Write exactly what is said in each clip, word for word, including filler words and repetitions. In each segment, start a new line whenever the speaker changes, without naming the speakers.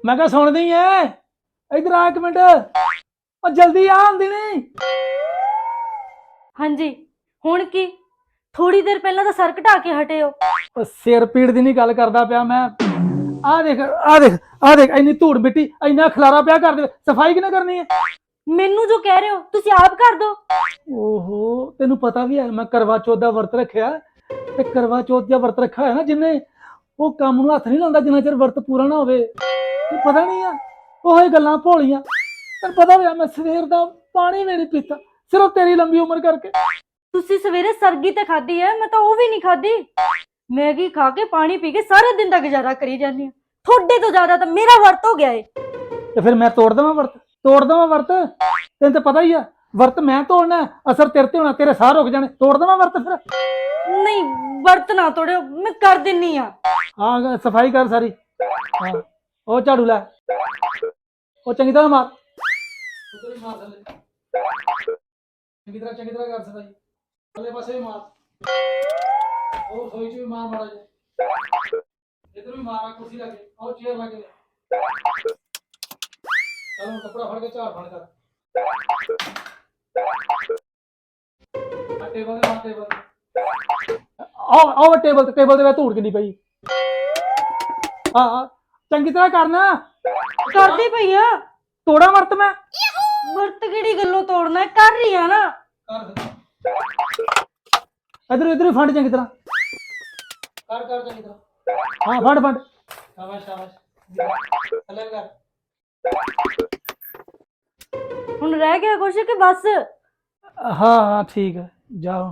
मैं क्या सुन दी है इधर आ एक मिनट और जल्दी आ आंदी नहीं।
हाँ जी हुण की थोड़ी देर पहला तो सर घटा के हटे हो।
ਉਹ ਸਿਰ ਪੀੜ ਦੀ ਨਹੀਂ ਗੱਲ ਕਰਦਾ ਪਿਆ ਮੈਂ। ਆ ਦੇਖ ਆ ਦੇਖ ਆ ਦੇਖ ਇੰਨੀ ਧੂੜ ਮਿੱਟੀ ਇੰਨਾ ਖਲਾਰਾ ਪਿਆ ਕਰ ਦੇ ਸਫਾਈ ਕਿਨੇ ਕਰਨੀ ਹੈ।
मैनू जो कह रहे हो तुसी आप कर दो।
ਓਹੋ ਤੈਨੂੰ ਪਤਾ ਵੀ ਹੈ ਮੈਂ ਕਰਵਾ ਚੌਥ ਦਾ ਵਰਤ ਰੱਖਿਆ ਤੇ ਕਰਵਾ ਚੌਥ ਦਾ ਵਰਤ ਰੱਖਿਆ ਹੈ ਨਾ ਜਿੰਨੇ ਉਹ ਕੰਮ ਨੂੰ ਹੱਥ ਨਹੀਂ ਲਾਉਂਦਾ ਜਿੰਨਾ ਚਿਰ ਵਰਤ ਪੂਰਾ ਨਾ ਹੋਵੇ। ਤੈਨੂੰ ਪਤਾ ਨਹੀਂ ਆ ਉਹ ਹੀ ਗੱਲਾਂ ਭੋਲੀਆਂ ਤੈਨੂੰ ਪਤਾ ਵੀ ਆ ਮੈਂ ਸਵੇਰ ਦਾ ਪਾਣੀ ਵੀ ਨਹੀਂ ਪੀਤਾ ਸਿਰਫ ਤੇਰੀ ਲੰਬੀ ਉਮਰ ਕਰਕੇ।
तुसी सवेरे सरगी ते खादी है मैं तो वो भी नहीं खादी। मैगी खा के पानी पी के सारे दिन का गुजारा करी जानी थोड़े तो ज्यादा तो मेरा वर्त हो गया है।
ਤੇ ਫਿਰ ਮੈਂ ਤੋੜ ਦੇਵਾਂ ਵਰਤ ਤੋੜ ਦੇਵਾਂ ਵਰਤ ਤੈਨੂੰ ਤਾਂ ਪਤਾ ਹੀ ਆ ਵਰਤ ਮੈਂ ਤੋੜਨਾ ਅਸਰ ਤੇਰੇ ਤੇ ਹੋਣਾ ਤੇਰੇ ਸਾਹ ਰੁਕ ਜਾਣੇ ਤੋੜ ਦੇਵਾਂ ਵਰਤ ਫਿਰ।
नहीं वर्त ना तोड़ो मैं कर दिनी आ।
ਹਾਂ ਸਫਾਈ ਕਰ ਸਾਰੀ। ਹਾਂ ਉਹ ਝਾੜੂ ਲੈ ਉਹ ਚੰਗੀ ਤਰ੍ਹਾਂ ਮਾਰ ਉਧਰ ਹੀ ਮਾਰ ਥੱਲੇ ਚੰਗੀ ਤਰ੍ਹਾਂ ਚੰਗੀ ਤਰ੍ਹਾਂ ਕਰ ਸਫਾਈ ਥੱਲੇ ਪਾਸੇ ਵੀ ਮਾਰ ਉਹ ਸੋਈ ਚ ਵੀ ਮਾਰ ਮਾਰਾ ਜੇ ਇਧਰ ਵੀ ਮਾਰ ਕੁਰਸੀ ਲਾ ਕੇ ਉਹ ਚੇਅਰ ਲਾ ਕੇ ਚਲੋ ਕੱਪੜਾ ਫੜ ਕੇ ਝਾੜ ਫੜ ਕਰ ਆ ਟੇਬਲ ਤੇ ਮਾਰ ਟੇਬਲ ਆਹ ਆਹ ਟੇਬਲ ਤੇ ਟੇਬਲ ਦੇ ਵਿੱਚ ਧੂੜ ਕਿੰਨੀ ਪਈ। ਹਾਂ ਹਾਂ ਚੰਗੀ ਤਰ੍ਹਾਂ ਕਰਨਾ
कर दी भैया
ਤੋੜਾ ਵਰਤ ਮੈਂ
वर्त केड़ी गल्लों तोड़ना है कर रही है ना।
ਇਧਰ ਇਧਰ ਫੰਡ ਚੰਗੀ ਤਰ੍ਹਾਂ ਕਰ ਕਰ ਚੰਗੀ ਤਰ੍ਹਾਂ ਹਾਂ ਫੰਡ ਫੰਡ ਸ਼ਾਬਾਸ਼ ਸ਼ਾਬਾਸ਼ ਥੱਲੇ ਕਰ।
हुण रह गया कुछ कि बस।
हाँ हाँ ठीक है जाओ।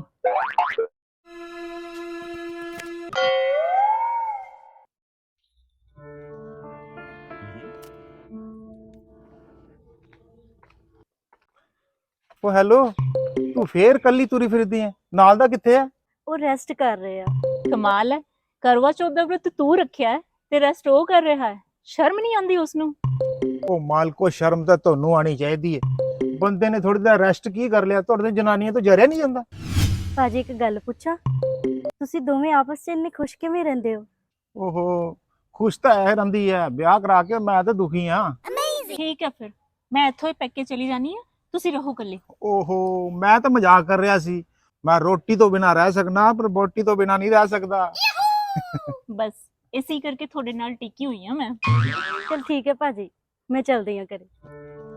ਉਹ ਹੈਲੋ ਤੂੰ ਫੇਰ ਕੱਲੀ ਤੁਰੀ ਫਿਰਦੀ ਐ ਨਾਲ ਦਾ ਕਿੱਥੇ ਐ?
वो रेस्ट कर रहे हैं।
ਕਮਾਲ ਹੈ ਕਰਵਾ ਚੌਥ ਦਾ ਵਰਤ ਤੂੰ ਰੱਖਿਆ ਹੈ ਤੇ ਰੈਸਟ ਉਹ ਕਰ ਰਿਹਾ ਹੈ ਸ਼ਰਮ ਨਹੀਂ ਆਉਂਦੀ ਉਸ ਨੂੰ।
ਉਹ ਮਾਲਕੋ ਸ਼ਰਮ ਤਾਂ ਤੁਹਾਨੂੰ ਆਣੀ ਚਾਹੀਦੀ ਐ ਬੰਦੇ ਨੇ ਥੋੜੀ ਦਾ ਰੈਸਟ ਕੀ ਕਰ ਲਿਆ ਤੁਹਾਡੇ ਜਨਾਨੀਆਂ ਤੋਂ ਜਰਿਆ ਨਹੀਂ ਜਾਂਦਾ।
ਭਾਜੀ ਇੱਕ ਗੱਲ ਪੁੱਛਾਂ ਤੁਸੀਂ ਦੋਵੇਂ ਆਪਸ 'ਚ ਇੰਨੇ ਖੁਸ਼ ਕਿਵੇਂ ਰਹਿੰਦੇ ਹੋ?
ਓਹੋ ਖੁਸ਼ ਤਾਂ ਐ ਰਹਿੰਦੀ ਐ ਵਿਆਹ ਕਰਾ ਕੇ ਮੈਂ ਤਾਂ ਦੁਖੀ ਆ।
ਠੀਕ ਹੈ ਫਿਰ ਮੈਂ ਇੱਥੋਂ ਹੀ ਪੈਕੇ ਚਲੀ ਜਾਨੀ ਆ ਤੁਸੀਂ ਰਹੋ ਇਕੱਲੇ।
ਓਹੋ ਮੈਂ ਤਾਂ ਮਜ਼ਾਕ ਕਰ ਰਿਹਾ ਸੀ ਮੈਂ ਰੋਟੀ ਤੋਂ ਬਿਨਾ ਰਹਿ ਸਕਣਾ ਪਰ ਬੋਟੀ ਤੋਂ ਬਿਨਾ ਨਹੀਂ ਰਹਿ ਸਕਦਾ।
ਬਸ ਇਸੇ ਕਰਕੇ ਤੁਹਾਡੇ ਨਾਲ ਟਿਕੀ ਹੋਈ ਆ ਮੈਂ।
चल ठीक है भाजी मैं चलती हूँ घरे।